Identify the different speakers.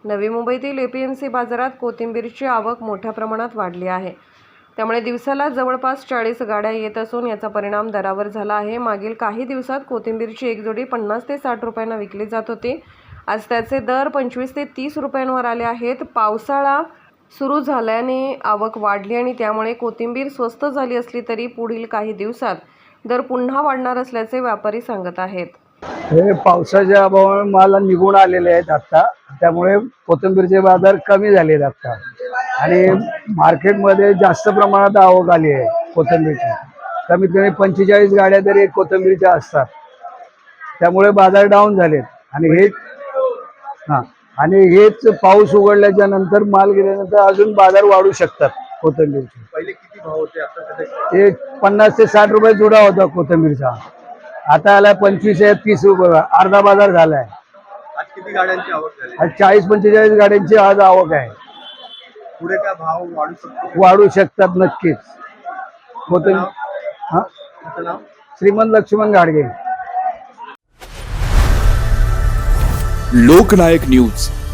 Speaker 1: नवी मुंबईतील एपीएमसी बाजारात कोथिंबीरची आवक मोठ्या प्रमाणात वाढली आहे। त्यामुळे दिवसाला जवळपास 40 गाड्या येत असून याचा परिणाम दरावर झाला आहे। मागील काही दिवसात कोथिंबीरची एक जोडी 50 ते 60 रुपयांना विकली जात होती। आज त्याचे दर 25 ते 30 रुपयांवर आले आहेत। पावसाळा सुरू झाल्याने आवक वाढली आणि त्यामुळे कोथिंबीर स्वस्त झाली असली तरी पुढील काही दिवसात दर पुन्हा वाढणार असल्याचे व्यापारी सांगत आहेत।
Speaker 2: हे पावसाच्या अभावामुळे माल निघून आलेले आहेत आता, त्यामुळे कोथिंबीरचे बाजार कमी झालेत आता आणि मार्केटमध्ये जास्त प्रमाणात आवक आली आहे कोथिंबीरची। कमीत कमी 45 गाड्या तरी कोथिंबीरच्या असतात, त्यामुळे बाजार डाऊन झालेत आणि हेच पाऊस उघडल्याच्या नंतर माल गेल्यानंतर अजून बाजार वाढू शकतात कोथिंबीरचे।
Speaker 3: पहिले किती भाव होते आता?
Speaker 2: ते 50 ते 60 रुपये जुडा होता कोथिंबीरचा, आता आला 25 ते 30 रुपये, अर्धा बाजार झालाय।
Speaker 3: आज किती गाड्यांची आवक झाली?
Speaker 2: आज 40-45 गाड्यांची आज आवक आहे।
Speaker 3: पुढे काय भाव वाढू शकतो?
Speaker 2: वाढू शकतात नक्कीच।
Speaker 3: तुमचं नाव?
Speaker 2: श्रीमंत लक्ष्मण गाडगे।
Speaker 4: लोकनायक न्यूज।